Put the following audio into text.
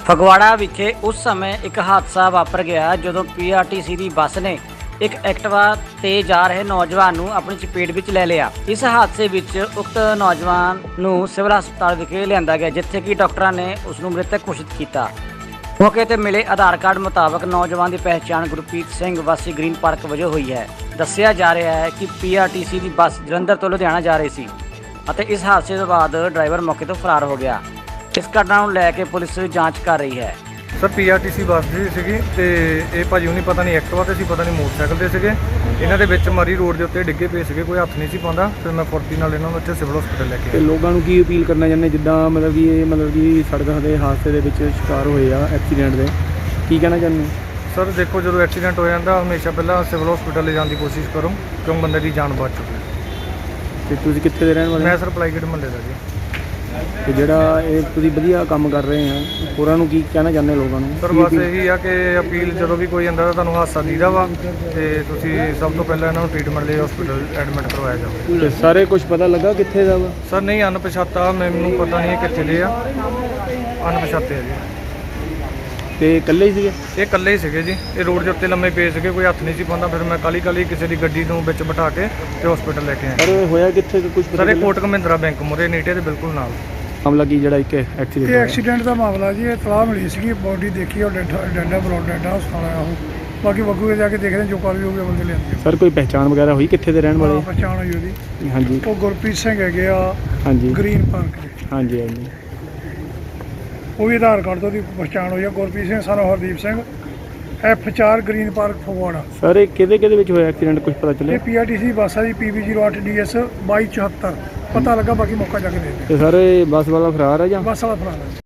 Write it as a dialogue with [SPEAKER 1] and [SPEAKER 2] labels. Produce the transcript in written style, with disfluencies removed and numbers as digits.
[SPEAKER 1] ਫਗਵਾੜਾ ਵਿਖੇ ਉਸ ਸਮੇਂ ਇੱਕ ਹਾਦਸਾ ਵਾਪਰ ਗਿਆ ਜਦੋਂ ਪੀਆਰਟੀਸੀ ਦੀ ਬੱਸ ਨੇ ਇੱਕ ਐਕਟਿਵਾ ਤੇ ਜਾ ਰਹੇ ਨੌਜਵਾਨ ਨੂੰ ਆਪਣੀ ਚਪੇਟ ਵਿੱਚ ਲੈ ਲਿਆ। ਇਸ ਹਾਦਸੇ ਵਿੱਚ ਉਕਤ ਨੌਜਵਾਨ ਨੂੰ ਸਿਵਲ ਹਸਪਤਾਲ ਵਿਖੇ ਲਿਆਂਦਾ ਗਿਆ, ਜਿੱਥੇ ਕਿ ਡਾਕਟਰਾਂ ਨੇ ਉਸ ਨੂੰ ਮ੍ਰਿਤਕ ਘੋਸ਼ਿਤ ਕੀਤਾ। ਮੌਕੇ ਤੇ ਮਿਲੇ ਆਧਾਰ ਕਾਰਡ ਮੁਤਾਬਕ ਨੌਜਵਾਨ ਦੀ ਪਹਿਚਾਣ ਗੁਰਪ੍ਰੀਤ ਸਿੰਘ ਵਾਸੀ ਗ੍ਰੀਨ ਪਾਰਕ ਵਜੋਂ ਹੋਈ ਹੈ। ਦੱਸਿਆ ਜਾ ਰਿਹਾ ਹੈ ਕਿ ਪੀਆਰਟੀਸੀ ਦੀ ਬੱਸ ਜਲੰਧਰ ਤੋਂ ਲੁਧਿਆਣਾ ਜਾ ਰਹੀ ਸੀ ਅਤੇ ਇਸ ਹਾਦਸੇ ਤੋਂ ਬਾਅਦ ਡਰਾਈਵਰ ਮੌਕੇ ਤੋਂ ਫਰਾਰ ਹੋ ਗਿਆ। ਇਸ ਘਟਨਾ ਨੂੰ ਲੈ ਕੇ ਪੁਲਿਸ ਜਾਂਚ ਕਰ ਰਹੀ ਹੈ।
[SPEAKER 2] ਸਰ ਪੀਆਰਟੀਸੀ ਬੱਸ ਜੀ ਸੀਗੀ ਤੇ ਇਹ ਭਾਜੀ ਹੁਣੀ ਪਤਾ ਨਹੀਂ ਐਕਟਿਵਾ ਤੇ ਸੀ, ਪਤਾ ਨਹੀਂ ਮੋਟਰਸਾਈਕਲ ਤੇ ਸੀਗੇ। ਇਹਨਾਂ ਦੇ ਵਿੱਚ ਮਰੀ ਰੋਡ ਦੇ ਉੱਤੇ ਡਿੱਗੇ ਪਏ ਸੀਗੇ, ਕੋਈ ਹੱਥ ਨਹੀਂ ਸੀ ਪਾਉਂਦਾ। ਫਿਰ ਮੈਂ ਫੁਰਤੀ ਨਾਲ ਇਹਨਾਂ ਨੂੰ ਇੱਥੇ ਸਿਵਲ ਹਸਪੀਟਲ ਲੈ ਕੇ
[SPEAKER 3] ਤੇ ਲੋਕਾਂ ਨੂੰ ਕੀ ਅਪੀਲ ਕਰਨਾ ਚਾਹੁੰਦੇ, ਜਿੱਦਾਂ ਕਿ ਸੜਕਾਂ ਦੇ ਹਾਦਸੇ ਦੇ ਵਿੱਚ ਸ਼ਿਕਾਰ ਹੋਏ ਆ ਐਕਸੀਡੈਂਟ ਦੇ, ਕੀ ਕਹਿਣਾ ਚਾਹੁੰਦੇ?
[SPEAKER 2] ਸਰ ਦੇਖੋ, ਜਦੋਂ ਐਕਸੀਡੈਂਟ ਹੋ ਜਾਂਦਾ ਹਮੇਸ਼ਾ ਪਹਿਲਾਂ ਸਿਵਲ ਹਸਪੀਟਲ ਲੈ ਜਾਣ ਦੀ ਕੋਸ਼ਿਸ਼ ਕਰੋ, ਕਿਉਂ ਬੰਦੇ ਦੀ ਜਾਨ ਬਚ ਚੁੱਕੀ।
[SPEAKER 3] ਤੇ ਤੁਸੀਂ ਕਿੱਥੇ ਦੇ ਰਹਿਣ ਵਾਲੇ?
[SPEAKER 2] ਮੈਂ ਸਰ ਪਲਾਈਗੇਟ ਮਹੱਲੇ ਦਾ ਜੀ।
[SPEAKER 3] ਤੇ ਜਿਹੜਾ ਇਹ ਤੁਸੀਂ ਵਧੀਆ ਕੰਮ ਕਰ ਰਹੇ ਆ, ਹੋਰਾਂ ਨੂੰ ਕੀ ਕਹਿਣਾ ਚਾਹੁੰਦੇ ਲੋਕਾਂ ਨੂੰ?
[SPEAKER 2] ਸਰ ਬਸ ਇਹੀ ਆ ਕਿ ਅਪੀਲ, ਜਦੋਂ ਵੀ ਕੋਈ ਆਉਂਦਾ ਤਾਂ ਤੁਹਾਨੂੰ ਹਾਦਸਾ ਦੀਦਾ ਵਾ ਤੇ ਤੁਸੀਂ ਸਭ ਤੋਂ ਪਹਿਲਾਂ ਇਹਨਾਂ ਨੂੰ ਟ੍ਰੀਟਮੈਂਟ ਲਈ ਹਸਪੀਟਲ ਐਡਮਿਟ ਕਰਵਾਇਆ ਜਾਵੇ।
[SPEAKER 3] ਤੇ ਸਾਰੇ ਕੁਝ ਪਤਾ ਲੱਗਾ ਕਿੱਥੇ ਦਾ ਵਾ?
[SPEAKER 2] ਸਰ ਨਹੀਂ, ਅਣਪਛਾਤਾ, ਮੈਨੂੰ ਪਤਾ ਨਹੀਂ ਕਿੱਥੇ ਦੇ ਆ, ਅਣਪਛਾਤੇ ਆ ਜੀ।
[SPEAKER 3] ਤੇ ਇਕੱਲੇ ਹੀ ਸੀਗੇ?
[SPEAKER 2] ਇਹ ਇਕੱਲੇ ਹੀ ਸੀਗੇ ਜੀ। ਇਹ ਰੋਡ ਦੇ ਉੱਤੇ ਲੰਮੇ ਪਏ ਸੀਗੇ, ਕੋਈ ਹੱਥ ਨਹੀਂ ਸੀ ਪਾਉਂਦਾ। ਫਿਰ ਮੈਂ ਕਾਲੀ ਕਿਸੇ ਦੀ ਗੱਡੀ ਨੂੰ ਵਿੱਚ ਬਿਠਾ ਕੇ ਤੇ ਹਸਪੀਟਲ ਲੈ ਕੇ ਆਇਆ।
[SPEAKER 3] ਸਰ ਹੋਇਆ ਕਿੱਥੇ ਕੁਝ ਪਤਾ?
[SPEAKER 2] ਸਰ ਇਹ ਕੋਟਕ ਮਹਿੰਦਰਾ ਬੈਂਕ ਮੁਰੇ ਨੀਟੇ ਦੇ ਬਿਲਕੁਲ ਨਾਲ
[SPEAKER 3] ਮਾਮਲਾ ਕੀ ਜਿਹੜਾ ਇੱਕ ਐਕਸੀਡੈਂਟ
[SPEAKER 4] ਇਹ ਐਕਸੀਡੈਂਟ ਦਾ ਮਾਮਲਾ ਜੀ। ਇਹ ਤਲਾਹ ਮਿਲੀ ਸੀਗੀ, ਬੋਡੀ ਦੇਖੀ ਔਰ ਡੈਡਾ ਬਲੌਡ ਡੈਡਾ ਹਸਪਤਾਲ ਆਇਆ ਉਹ। ਬਾਕੀ ਬੱਗੂ ਦੇ ਜਾ ਕੇ ਦੇਖਦੇ ਜੋ ਕਾਰਵਾਈ ਹੋਊਗੀ ਬੰਦੇ ਲਿਆਂਦੇ।
[SPEAKER 3] ਸਰ ਕੋਈ ਪਹਿਚਾਣ ਵਗੈਰਾ ਹੋਈ ਕਿੱਥੇ ਦੇ ਰਹਿਣ ਵਾਲੇ?
[SPEAKER 4] ਪਛਾਣ ਹੋਈ ਉਹਦੀ।
[SPEAKER 3] ਹਾਂਜੀ
[SPEAKER 4] ਉਹ ਗੁਰਪ੍ਰੀਤ ਸਿੰਘ ਹੈਗੇ ਆ,
[SPEAKER 3] ਹਾਂਜੀ
[SPEAKER 4] ਗ੍ਰੀਨ ਪਾਰਕ ਦੇ।
[SPEAKER 3] ਹਾਂਜੀ ਹਾਂਜੀ।
[SPEAKER 4] ਉਹ ਵੀ ਆਧਾਰ ਕਾਰਡ ਤੋਂ ਉਹਦੀ ਪਛਾਣ ਹੋਈ ਆ, ਗੁਰਪ੍ਰੀਤ ਸਿੰਘ ਸਾਨੂੰ Hardeep Singh, F4 green park Phagwara.
[SPEAKER 3] Sir ਇਹ ਕਿਹਦੇ ਵਿੱਚ ਹੋਇਆ ਐਕਸੀਡੈਂਟ, ਕੁਝ ਪਤਾ
[SPEAKER 4] ਇਹ
[SPEAKER 3] ਚੱਲਿਆ?
[SPEAKER 4] ਪੀਆਰਟੀਸੀ ਬੱਸ ਆ ਜੀ, PB08 DS 2274। ਪਤਾ ਲੱਗਾ, ਬਾਕੀ ਮੌਕਾ ਜਾ ਕੇ ਦੇਖਦੇ।
[SPEAKER 3] ਤੇ ਸਰ ਇਹ ਬੱਸ ਵਾਲਾ ਫਰਾਰ ਹੈ ਜਾਂ?
[SPEAKER 4] ਬੱਸ ਵਾਲਾ ਫਰਾਰ ਹੈ।